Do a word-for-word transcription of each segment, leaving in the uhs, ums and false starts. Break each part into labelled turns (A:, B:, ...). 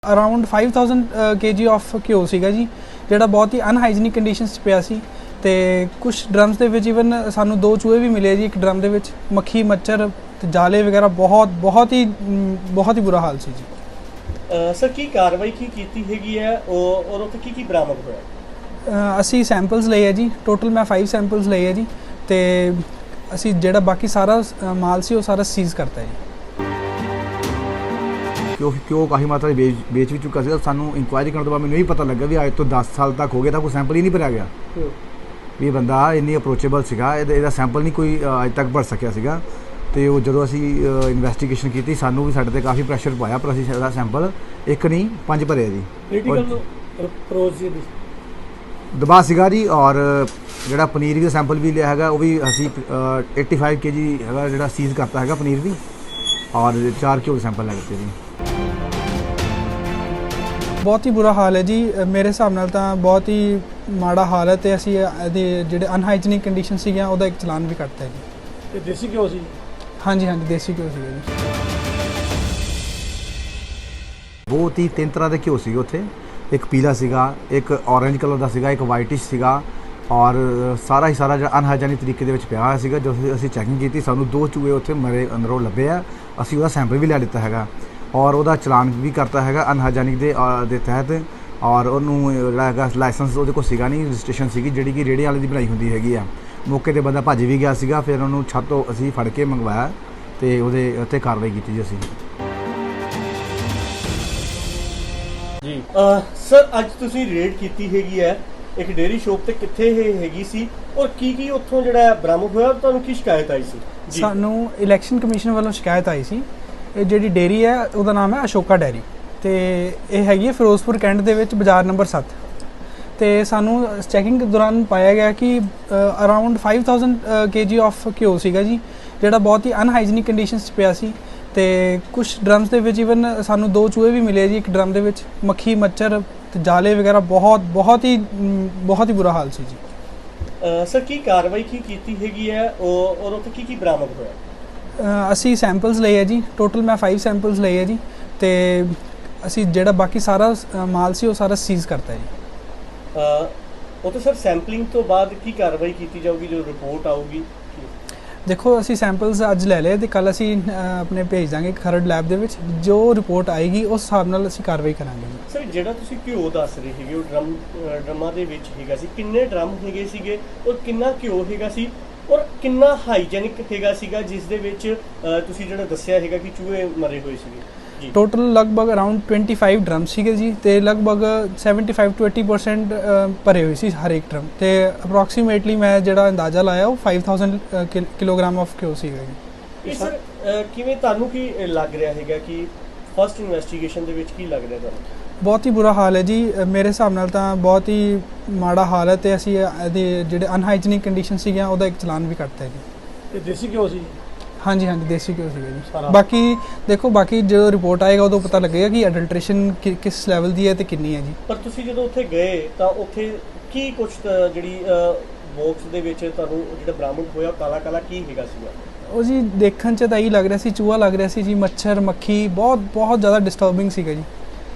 A: Around five thousand KG of ghee ਸੀਗਾ ਜੀ, ਜਿਹੜਾ ਬਹੁਤ ਹੀ ਅਨਹਾਈਜੀਨਿਕ ਕੰਡੀਸ਼ਨਸ 'ਚ ਪਿਆ ਸੀ। ਤੇ ਕੁਝ ਡਰਮਸ ਦੇ ਵਿੱਚ ਈਵਨ ਸਾਨੂੰ ਦੋ ਚੂਹੇ ਵੀ ਮਿਲੇ ਜੀ। ਇੱਕ ਡਰਮ ਦੇ ਵਿੱਚ ਮੱਖੀ ਮੱਛਰ ਤੇ ਜਾਲੇ ਵਗੈਰਾ ਬਹੁਤ ਬਹੁਤ ਹੀ ਬਹੁਤ ਹੀ ਬੁਰਾ ਹਾਲ ਸੀ ਜੀ।
B: ਸਰ ਕੀ ਕਾਰਵਾਈ ਕੀ ਕੀਤੀ ਹੈਗੀ ਹੈ ਔਰ ਉੱਥੇ ਕੀ ਕੀ ਬਰਾਮਦ ਹੋਇਆ?
A: ਅਸੀਂ ਸੈਂਪਲਸ ਲਏ ਹੈ ਜੀ, ਟੋਟਲ ਮੈਂ five ਸੈਂਪਲਸ ਲਏ ਹੈ ਜੀ। ਤੇ ਅਸੀਂ ਜਿਹੜਾ ਬਾਕੀ ਸਾਰਾ ਮਾਲ ਸੀ ਉਹ ਸਾਰਾ ਸੀਜ਼ ਕਰਤਾ ਜੀ।
C: ਕਿਉਂ ਕਿਉਂ ਕਾਫੀ ਮਾਤਰਾ ਵੇਚ ਵੇਚ ਵੀ ਚੁੱਕਾ ਸੀ। ਸਾਨੂੰ ਇਨਕੁਆਇਰੀ ਕਰਨ ਤੋਂ ਬਾਅਦ ਮੈਨੂੰ ਇਹ ਪਤਾ ਲੱਗਾ ਵੀ ਅੱਜ ਤੋਂ ਦਸ ਸਾਲ ਤੱਕ ਹੋ ਗਿਆ ਤਾਂ ਕੋਈ ਸੈਂਪਲ ਹੀ ਨਹੀਂ ਭਰਿਆ ਗਿਆ। ਵੀ ਇਹ ਬੰਦਾ ਇੰਨੀ ਅਪਰੋਚੇਬਲ ਸੀਗਾ, ਇਹਦਾ ਇਹਦਾ ਸੈਂਪਲ ਨਹੀਂ ਕੋਈ ਅੱਜ ਤੱਕ ਭਰ ਸਕਿਆ ਸੀਗਾ। ਅਤੇ ਉਹ ਜਦੋਂ ਅਸੀਂ ਇਨਵੈਸਟੀਗੇਸ਼ਨ ਕੀਤੀ ਸਾਨੂੰ ਵੀ ਸਾਡੇ 'ਤੇ ਕਾਫੀ ਪ੍ਰੈਸ਼ਰ ਪਾਇਆ, ਪਰ ਅਸੀਂ ਇਹਦਾ ਸੈਂਪਲ ਇੱਕ ਨਹੀਂ ਪੰਜ ਭਰਿਆ ਜੀ। ਦਬਾਅ ਸੀਗਾ ਜੀ। ਔਰ ਜਿਹੜਾ ਪਨੀਰ ਦਾ ਸੈਂਪਲ ਵੀ ਲਿਆ ਹੈਗਾ ਉਹ ਵੀ ਅਸੀਂ eighty five ਕੇ ਜੀ ਹੈਗਾ ਜਿਹੜਾ ਸੀਜ਼ ਕਰਤਾ ਹੈਗਾ ਪਨੀਰ ਵੀ, ਔਰ ਚਾਰ ਘਿਓ ਦੇ ਸੈਂਪਲ ਲੈ ਦਿੱਤੇ ਜੀ।
A: ਬਹੁਤ ਹੀ ਬੁਰਾ ਹਾਲ ਹੈ ਜੀ। ਮੇਰੇ ਹਿਸਾਬ ਨਾਲ ਤਾਂ ਬਹੁਤ ਹੀ ਮਾੜਾ ਹਾਲ ਹੈ। ਅਤੇ ਅਸੀਂ ਇਹਦੇ ਜਿਹੜੇ ਅਨਹਾਈਜੀਨਿਕ ਕੰਡੀਸ਼ਨ ਸੀਗੀਆਂ ਉਹਦਾ ਇੱਕ ਚਲਾਨ ਵੀ ਕੱਟਤਾ ਜੀ।
B: ਅਤੇ ਦੇਸੀ ਘਿਓ ਸੀ? ਹਾਂਜੀ
A: ਹਾਂਜੀ ਦੇਸੀ ਘਿਓ ਸੀਗਾ ਜੀ।
C: ਬਹੁਤ ਹੀ ਤਿੰਨ ਤਰ੍ਹਾਂ ਦੇ ਘਿਓ ਸੀਗੇ ਉੱਥੇ। ਇੱਕ ਪੀਲਾ ਸੀਗਾ, ਇੱਕ ਔਰੇਂਜ ਕਲਰ ਦਾ ਸੀਗਾ, ਇੱਕ ਵਾਈਟਿਸ਼ ਸੀਗਾ, ਔਰ ਸਾਰਾ ਹੀ ਸਾਰਾ ਜਿਹੜਾ ਅਨਹਾਈਜੈਨਿਕ ਤਰੀਕੇ ਦੇ ਵਿੱਚ ਪਿਆ ਹੋਇਆ ਸੀਗਾ। ਜਦੋਂ ਅਸੀਂ ਚੈਕਿੰਗ ਕੀਤੀ ਸਾਨੂੰ ਦੋ ਚੂਹੇ ਉੱਥੇ ਮਰੇ ਅੰਦਰੋਂ ਲੱਭੇ ਆ। ਅਸੀਂ ਉਹਦਾ ਸੈਂਪਲ ਵੀ ਲੈ ਲਿੱਤਾ ਹੈਗਾ ਔਰ ਉਹਦਾ ਚਲਾਨ ਵੀ ਕਰਤਾ ਹੈਗਾ ਅਨਹਾਈਜੈਨਿਕ ਦੇ ਦੇ ਤਹਿਤ। ਔਰ ਉਹਨੂੰ ਜਿਹੜਾ ਹੈਗਾ ਲਾਇਸੈਂਸ ਉਹਦੇ ਕੋਲ ਸੀਗਾ ਨਹੀਂ, ਰਜਿਸਟ੍ਰੇਸ਼ਨ ਸੀਗੀ ਜਿਹੜੀ ਕਿ ਰੇਹੜੀ ਵਾਲੇ ਦੀ ਬਣਾਈ ਹੁੰਦੀ ਹੈਗੀ ਆ। ਮੌਕੇ 'ਤੇ ਬੰਦਾ ਭੱਜ ਵੀ ਗਿਆ ਸੀਗਾ। ਫਿਰ ਉਹਨੂੰ ਛੱਤ ਤੋਂ ਅਸੀਂ ਫੜ ਕੇ ਮੰਗਵਾਇਆ ਅਤੇ ਉਹਦੇ ਉੱਤੇ ਕਾਰਵਾਈ ਕੀਤੀ ਜੀ ਅਸੀਂ।
B: ਜੀ ਸਰ, ਅੱਜ ਤੁਸੀਂ ਰੇਡ ਕੀਤੀ ਹੈਗੀ ਹੈ ਇੱਕ ਡੇਅਰੀ ਸ਼ੋਪ ਤੇ, ਕਿੱਥੇ ਇਹ ਹੈਗੀ ਸੀ ਔਰ ਕੀ ਕੀ ਉੱਥੋਂ ਜਿਹੜਾ ਬਰਾਮਦ ਹੋਇਆ? ਤੁਹਾਨੂੰ ਕੀ ਸ਼ਿਕਾਇਤ ਆਈ ਸੀ?
A: ਸਾਨੂੰ ਇਲੈਕਸ਼ਨ ਕਮਿਸ਼ਨ ਵੱਲੋਂ ਸ਼ਿਕਾਇਤ ਆਈ ਸੀ। ਇਹ ਜਿਹੜੀ ਡੇਅਰੀ ਹੈ ਉਹਦਾ ਨਾਮ ਹੈ ਅਸ਼ੋਕਾ ਡੈਰੀ, ਅਤੇ ਇਹ ਹੈਗੀ ਹੈ ਫਿਰੋਜ਼ਪੁਰ ਕੈਂਟ ਦੇ ਵਿੱਚ ਬਾਜ਼ਾਰ ਨੰਬਰ ਸੱਤ। ਅਤੇ ਸਾਨੂੰ ਚੈਕਿੰਗ ਦੌਰਾਨ ਪਾਇਆ ਗਿਆ ਕਿ around five thousand KG of ghee ਸੀਗਾ ਜੀ, ਜਿਹੜਾ ਬਹੁਤ ਹੀ ਅਨਹਾਈਜੀਨਿਕ ਕੰਡੀਸ਼ਨਸ 'ਚ ਪਿਆ ਸੀ। ਅਤੇ ਕੁਝ ਡਰਮਸ ਦੇ ਵਿੱਚ ਈਵਨ ਸਾਨੂੰ ਦੋ ਚੂਹੇ ਵੀ ਮਿਲੇ ਜੀ। ਇੱਕ ਡਰਮ ਦੇ ਵਿੱਚ ਮੱਖੀ ਮੱਛਰ ਤੇ ਜਾਲੇ ਵਗੈਰਾ ਬਹੁਤ ਬਹੁਤ ਹੀ ਬਹੁਤ ਹੀ ਬੁਰਾ ਹਾਲ ਸੀ ਜੀ।
B: ਸਰ ਕੀ ਕਾਰਵਾਈ ਕੀ ਕੀਤੀ ਹੈਗੀ ਹੈ ਔਰ ਉੱਥੇ ਕੀ ਕੀ ਬਰਾਮਦ ਹੋਇਆ?
A: ਅਸੀਂ ਸੈਂਪਲਸ ਲਏ ਹੈ ਜੀ, ਟੋਟਲ ਮੈਂ five ਸੈਂਪਲਸ ਲਏ ਹੈ ਜੀ। ਅਤੇ ਅਸੀਂ ਜਿਹੜਾ ਬਾਕੀ ਸਾਰਾ ਮਾਲ ਸੀ ਉਹ ਸਾਰਾ ਸੀਜ਼ ਕਰਤਾ ਜੀ।
B: ਉਹ ਤਾਂ ਸਰ ਸੈਂਪਲਿੰਗ ਤੋਂ ਬਾਅਦ ਕੀ ਕਾਰਵਾਈ ਕੀਤੀ ਜਾਊਗੀ ਜਦੋਂ ਰਿਪੋਰਟ ਆਊਗੀ?
A: ਦੇਖੋ ਅਸੀਂ ਸੈਂਪਲਸ ਅੱਜ ਲੈ ਲਏ ਅਤੇ ਕੱਲ੍ਹ ਅਸੀਂ ਆਪਣੇ ਭੇਜ ਦਾਂਗੇ ਖਰੜ ਲੈਬ ਦੇ ਵਿੱਚ। ਜੋ ਰਿਪੋਰਟ ਆਏਗੀ ਉਸ ਹਿਸਾਬ ਨਾਲ ਅਸੀਂ ਕਾਰਵਾਈ ਕਰਾਂਗੇ।
B: ਸਰ ਜਿਹੜਾ ਤੁਸੀਂ ਘਿਓ ਦੱਸ ਰਹੇ ਹੈਗੇ ਉਹ ਡਰਮ ਡਰਮਾਂ ਦੇ ਵਿੱਚ ਹੈਗਾ ਸੀ, ਕਿੰਨੇ ਡਰਮ ਹੈਗੇ ਸੀਗੇ ਔਰ ਕਿੰਨਾ ਘਿਓ ਹੈਗਾ ਸੀ ਔਰ ਕਿੰਨਾ ਹਾਈਜੈਨਿਕ ਹੈਗਾ ਸੀਗਾ ਜਿਸ ਦੇ ਵਿੱਚ ਤੁਸੀਂ ਜਿਹੜਾ ਦੱਸਿਆ ਹੈਗਾ ਕਿ ਚੂਹੇ ਮਰੇ ਹੋਏ ਸੀਗੇ?
A: ਟੋਟਲ ਲਗਭਗ ਅਰਾਊਂਡ twenty-five ਡਰਮ ਸੀਗੇ ਜੀ, ਅਤੇ ਲਗਭਗ seventy-five to eighty percent ਭਰੇ ਹੋਏ ਸੀ ਹਰ ਇੱਕ ਡਰਮ। ਅਤੇ ਅਪਰੋਕਸੀਮੇਟਲੀ ਮੈਂ ਜਿਹੜਾ ਅੰਦਾਜ਼ਾ ਲਾਇਆ ਉਹ five thousand kilogram of ghee ਸੀਗਾ ਜੀ।
B: ਇਹ ਸਰ ਕਿਵੇਂ ਤੁਹਾਨੂੰ ਕੀ ਲੱਗ ਰਿਹਾ ਹੈਗਾ ਕਿ ਫਸਟ ਇਨਵੈਸਟੀਗੇਸ਼ਨ ਦੇ ਵਿੱਚ ਕੀ ਲੱਗ ਰਿਹਾ ਤੁਹਾਨੂੰ?
A: ਬਹੁਤ ਹੀ ਬੁਰਾ ਹਾਲ ਹੈ ਜੀ। ਮੇਰੇ ਹਿਸਾਬ ਨਾਲ ਤਾਂ ਬਹੁਤ ਹੀ ਮਾੜਾ ਹਾਲ ਹੈ। ਅਤੇ ਅਸੀਂ ਇਹਦੇ ਜਿਹੜੇ ਅਨਹਾਈਜੀਨਿਕ ਕੰਡੀਸ਼ਨ ਸੀਗੀਆਂ ਉਹਦਾ ਇੱਕ ਚਲਾਨ ਵੀ ਕੱਟਤਾ ਜੀ।
B: ਅਤੇ ਦੇਸੀ ਘਿਓ ਸੀ? ਹਾਂਜੀ
A: ਹਾਂਜੀ ਦੇਸੀ ਘਿਓ ਸੀਗਾ ਜੀ। ਬਾਕੀ ਦੇਖੋ ਬਾਕੀ ਜਦੋਂ ਰਿਪੋਰਟ ਆਏਗਾ ਉਦੋਂ ਪਤਾ ਲੱਗੇਗਾ ਕਿ ਅਡਲਟ੍ਰੇਸ਼ਨ ਕਿਸ ਲੈਵਲ ਦੀ ਹੈ ਅਤੇ ਕਿੰਨੀ ਹੈ ਜੀ। ਪਰ
B: ਤੁਸੀਂ ਜਦੋਂ ਉੱਥੇ ਗਏ ਤਾਂ ਉੱਥੇ ਕੀ ਕੁਛ ਜਿਹੜੀ ਬਾਕਸ ਦੇ ਵਿੱਚ ਤੁਹਾਨੂੰ ਜਿਹੜਾ ਬਰਾਮਦ ਹੋਇਆ ਕਾਲਾ ਕਾਲਾ ਕੀ ਹੈਗਾ ਸੀਗਾ?
A: ਉਹ ਜੀ ਦੇਖਣ 'ਚ ਤਾਂ ਇਹੀ ਲੱਗ ਰਿਹਾ ਸੀ ਚੂਹਾ ਲੱਗ ਰਿਹਾ ਸੀ ਜੀ। ਮੱਛਰ ਮੱਖੀ ਬਹੁਤ ਬਹੁਤ ਜ਼ਿਆਦਾ ਡਿਸਟਰਬਿੰਗ ਸੀਗਾ ਜੀ।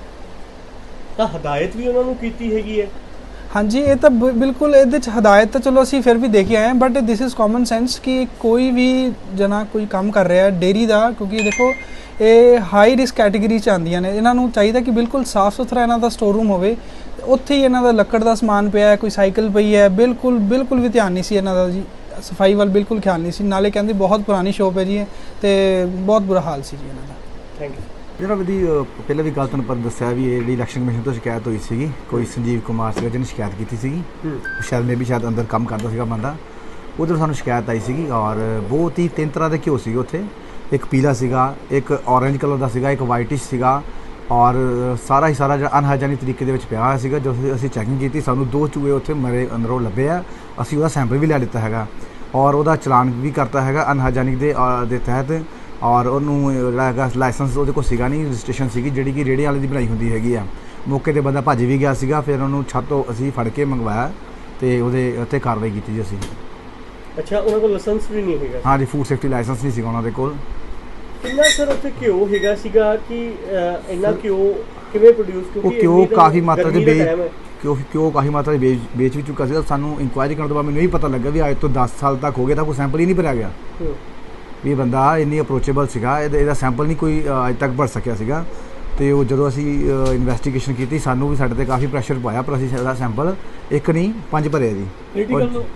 B: ਤਾਂ ਹਦਾਇਤ ਵੀ ਉਹਨਾਂ ਨੂੰ ਕੀਤੀ ਹੈਗੀ ਹੈ? ਹਾਂਜੀ
A: ਇਹ ਤਾਂ ਬਿਲਕੁਲ ਇਹਦੇ 'ਚ ਹਦਾਇਤ ਤਾਂ ਚਲੋ ਅਸੀਂ ਫਿਰ ਵੀ ਦੇਖ ਕੇ ਆਏ ਹਾਂ, but this is common sense ਕਿ ਕੋਈ ਵੀ ਜਣਾ ਕੋਈ ਕੰਮ ਕਰ ਰਿਹਾ ਡੇਅਰੀ ਦਾ, ਕਿਉਂਕਿ ਦੇਖੋ ਇਹ ਹਾਈ ਰਿਸਕ ਕੈਟੇਗਰੀ 'ਚ ਆਉਂਦੀਆਂ ਨੇ। ਇਹਨਾਂ ਨੂੰ ਚਾਹੀਦਾ ਕਿ ਬਿਲਕੁਲ ਸਾਫ਼ ਸੁਥਰਾ ਇਹਨਾਂ ਦਾ ਸਟੋਰ ਰੂਮ ਹੋਵੇ। ਉੱਥੇ ਹੀ ਇਹਨਾਂ ਦਾ ਲੱਕੜ ਦਾ ਸਮਾਨ ਪਿਆ ਹੈ, ਕੋਈ ਸਾਈਕਲ ਪਈ ਹੈ, ਬਿਲਕੁਲ ਬਿਲਕੁਲ ਵੀ ਧਿਆਨ ਨਹੀਂ ਸੀ ਇਹਨਾਂ ਦਾ ਜੀ। ਸਫਾਈ ਵੱਲ ਬਿਲਕੁਲ ਖਿਆਲ ਨਹੀਂ ਸੀ। ਨਾਲੇ ਕਹਿੰਦੇ ਬਹੁਤ ਪੁਰਾਣੀ ਸ਼ੋਪ ਹੈ ਜੀ ਅਤੇ ਬਹੁਤ ਬੁਰਾ ਹਾਲ ਸੀ ਜੀ ਇਹਨਾਂ ਦਾ।
B: Thank you.
C: ਜਿਹੜਾ ਵੀ ਪਹਿਲਾਂ ਵੀ ਗੱਲ ਤੁਹਾਨੂੰ ਪਰ ਦੱਸਿਆ ਵੀ ਇਹ ਜਿਹੜੀ ਇਲੈਕਸ਼ਨ ਕਮਿਸ਼ਨ ਤੋਂ ਸ਼ਿਕਾਇਤ ਹੋਈ ਸੀਗੀ, ਕੋਈ ਸੰਜੀਵ ਕੁਮਾਰ ਸੀਗਾ ਜਿਹਨੇ ਸ਼ਿਕਾਇਤ ਕੀਤੀ ਸੀਗੀ। ਸ਼ਾਇਦ ਮੇ ਵੀ ਸ਼ਾਇਦ ਅੰਦਰ ਕੰਮ ਕਰਦਾ ਸੀਗਾ ਬੰਦਾ, ਉੱਧਰ ਸਾਨੂੰ ਸ਼ਿਕਾਇਤ ਆਈ ਸੀਗੀ। ਔਰ ਬਹੁਤ ਹੀ ਤਿੰਨ ਤਰ੍ਹਾਂ ਦੇ ਘਿਓ ਸੀਗੇ ਉੱਥੇ। ਇੱਕ ਪੀਲਾ ਸੀਗਾ, ਇੱਕ ਔਰੇਂਜ ਕਲਰ ਦਾ ਸੀਗਾ, ਇੱਕ ਵਾਈਟਿਸ਼ ਸੀਗਾ, ਔਰ ਸਾਰਾ ਹੀ ਸਾਰਾ ਜਿਹੜਾ ਅਨਹਾਈਜੈਨਿਕ ਤਰੀਕੇ ਦੇ ਵਿੱਚ ਪਿਆ ਹੋਇਆ ਸੀਗਾ। ਜਦੋਂ ਅਸੀਂ ਚੈਕਿੰਗ ਕੀਤੀ ਸਾਨੂੰ ਦੋ ਚੂਹੇ ਉੱਥੇ ਮਰੇ ਅੰਦਰੋਂ ਲੱਭੇ ਆ। ਅਸੀਂ ਉਹਦਾ ਸੈਂਪਲ ਵੀ ਲੈ ਲਿੱਤਾ ਹੈਗਾ ਔਰ ਉਹਦਾ ਚਲਾਨ ਵੀ ਕਰਤਾ ਹੈਗਾ ਅਨਹਾਈਜੈਨਿਕ ਦੇ ਦੇ ਤਹਿਤ। ਔਰ ਉਹਨੂੰ ਜਿਹੜਾ ਹੈਗਾ ਲਾਇਸੈਂਸ ਉਹਦੇ ਕੋਲ ਸੀਗਾ ਨਹੀਂ, ਰਜਿਸਟ੍ਰੇਸ਼ਨ ਸੀਗੀ ਜਿਹੜੀ ਕਿ ਰੇਹੜੀ ਵਾਲੇ ਦੀ ਬਣਾਈ ਹੁੰਦੀ ਹੈਗੀ ਆ। ਮੌਕੇ 'ਤੇ ਬੰਦਾ ਭੱਜ ਵੀ ਗਿਆ ਸੀਗਾ। ਫਿਰ ਉਹਨੂੰ ਛੱਤ ਤੋਂ ਅਸੀਂ ਫੜ ਕੇ ਮੰਗਵਾਇਆ ਅਤੇ ਉਹਦੇ ਉੱਤੇ ਕਾਰਵਾਈ ਕੀਤੀ ਜੀ ਅਸੀਂ।
B: ਅੱਛਾ, ਉਹਨਾਂ ਕੋਲ ਲਾਇਸੈਂਸ ਵੀ ਨਹੀਂ ਹੈਗਾ?
C: ਹਾਂਜੀ, ਫੂਡ ਸੇਫਟੀ ਲਾਇਸੈਂਸ ਨਹੀਂ ਸੀਗਾ ਉਹਨਾਂ ਦੇ ਕੋਲ।
B: ਕਿੰਨਾ ਸਰ ਉੱਥੇ ਘਿਓ ਹੈਗਾ ਸੀਗਾ ਕਿ ਇੰਨਾ ਘਿਓ ਕਿਵੇਂ ਪ੍ਰੋਡਿਊਸ
C: ਉਹ ਕਿਉਂ ਕਾਫੀ ਮਾਤਰਾ ਦੇ ਵੇਚ ਕਿਉਂ ਕਿਉਂ ਕਾਫੀ ਮਾਤਰਾ ਦੇ ਵੇਚ ਵੇਚ ਵੀ ਚੁੱਕਾ ਸੀ। ਸਾਨੂੰ ਇਨਕੁਆਇਰੀ ਕਰਨ ਤੋਂ ਬਾਅਦ ਮੈਨੂੰ ਇਹ ਪਤਾ ਲੱਗਾ ਵੀ ਅੱਜ ਤੋਂ ਦਸ ਸਾਲ ਤੱਕ ਹੋ ਗਏ ਤਾਂ ਕੋਈ ਸੈਂਪਲ ਹੀ ਨਹੀਂ ਭਰਿਆ ਗਿਆ ਵੀ ਇਹ ਬੰਦਾ ਇੰਨੀ ਅਪਰੋਚੇਬਲ ਸੀਗਾ, ਇਹਦਾ ਇਹਦਾ ਸੈਂਪਲ ਨਹੀਂ ਕੋਈ ਅੱਜ ਤੱਕ ਭਰ ਸਕਿਆ ਸੀਗਾ। ਅਤੇ ਉਹ ਜਦੋਂ ਅਸੀਂ ਇਨਵੈਸਟੀਗੇਸ਼ਨ ਕੀਤੀ ਸਾਨੂੰ ਵੀ ਸਾਡੇ 'ਤੇ ਕਾਫੀ ਪ੍ਰੈਸ਼ਰ ਪਾਇਆ, ਪਰ ਅਸੀਂ ਇਹਦਾ ਸੈਂਪਲ ਇੱਕ ਨਹੀਂ ਪੰਜ ਭਰੇ ਜੀ।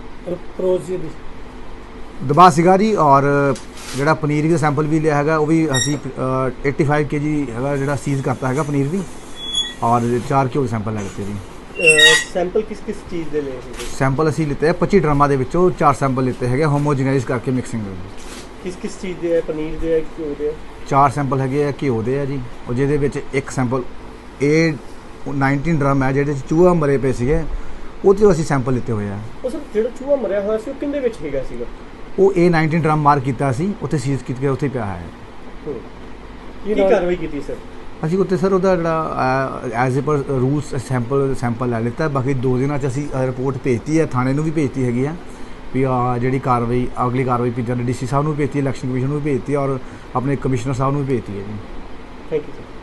C: ਦਬਾਅ ਸੀਗਾ ਜੀ। ਔਰ ਜਿਹੜਾ ਪਨੀਰ ਦਾ ਸੈਂਪਲ ਵੀ ਲਿਆ ਹੈਗਾ ਉਹ ਵੀ ਅਸੀਂ ਏਟੀ ਫਾਈਵ ਕੇ ਜੀ ਹੈਗਾ ਜਿਹੜਾ ਸੀਜ਼ ਕਰਤਾ ਹੈਗਾ ਪਨੀਰ ਵੀ, ਔਰ ਚਾਰ ਕਿਲੋ ਸੈਂਪਲ ਲੈ ਲਿੱਤੇ ਜੀ।
B: ਸੈਂਪਲ ਕਿਸ ਕਿਸ ਚੀਜ਼ ਦੇ ਲਏ ਸੀਗੇ?
C: ਸੈਂਪਲ ਅਸੀਂ ਲਿੱਤੇ ਪੱਚੀ ਡਰਮਾਂ ਦੇ ਵਿੱਚੋਂ ਚਾਰ ਸੈਂਪਲ ਲਿੱਤੇ ਹੈਗੇ ਹੋਮੋਜੀਨਾਈਜ਼ ਕਰਕੇ ਮਿਕਸਿੰਗ ਦੇ।
B: ਕਿਸ ਕਿਸ ਚੀਜ਼ ਦੇ ਹੈ? ਪਨੀਰ ਦੇ ਹੈ, ਘਿਓ ਦੇ ਹੈ?
C: ਚਾਰ ਸੈਂਪਲ ਹੈਗੇ ਆ ਘਿਓ ਦੇ ਆ ਜੀ, ਉਹ ਜਿਹਦੇ ਵਿੱਚ ਇੱਕ ਸੈਂਪਲ ਏ ਨਾਈਨਟੀਨ ਡਰਮ ਹੈ ਜਿਹੜੇ 'ਚ ਚੂਹਾ ਮਰੇ ਪਏ ਸੀਗੇ, ਉਹ 'ਚੋਂ ਅਸੀਂ ਸੈਂਪਲ ਲਿੱਤੇ ਹੋਏ ਆ।
B: ਉਹ ਸਰ ਜਿਹੜਾ ਚੂਹਾ ਮਰਿਆ ਹੋਇਆ ਸੀ ਉਹ ਕਿੰਦੇ ਵਿੱਚ ਹੈਗਾ ਸੀਗਾ?
C: ਉਹ ਏ ਨਾਈਨਟੀਨ ਡਰਮ ਮਾਰਕ ਕੀਤਾ ਸੀ, ਉੱਥੇ ਸੀਜ਼ ਕੀਤੇ ਉੱਥੇ ਪਿਆ ਹੈ।
B: ਕੀ ਕਾਰਵਾਈ ਕੀਤੀ ਸਰ? ਅਸੀਂ
C: ਉੱਥੇ ਸਰ ਉਹਦਾ ਜਿਹੜਾ ਐਜ਼ ਏ ਪਰ ਰੂਲਸ ਸੈਂਪਲ ਸੈਂਪਲ ਲੈ ਲਿੱਤਾ। ਬਾਕੀ ਦੋ ਦਿਨਾਂ 'ਚ ਅਸੀਂ ਰਿਪੋਰਟ ਭੇਜਤੀ ਹੈ, ਥਾਣੇ ਨੂੰ ਵੀ ਭੇਜਤੀ ਹੈਗੀ ਆ ਵੀ ਜਿਹੜੀ ਕਾਰਵਾਈ ਅਗਲੀ ਕਾਰਵਾਈ ਪੀ ਡੀ ਸੀ ਸਾਹਿਬ ਨੂੰ ਵੀ ਭੇਜਤੀ, ਇਲੈਕਸ਼ਨ ਕਮਿਸ਼ਨ ਨੂੰ ਵੀ ਭੇਜਤੀ, ਔਰ ਆਪਣੇ ਕਮਿਸ਼ਨਰ ਸਾਹਿਬ ਨੂੰ ਵੀ ਭੇਜਤੀ ਹੈ ਜੀ।
B: Thank you sir.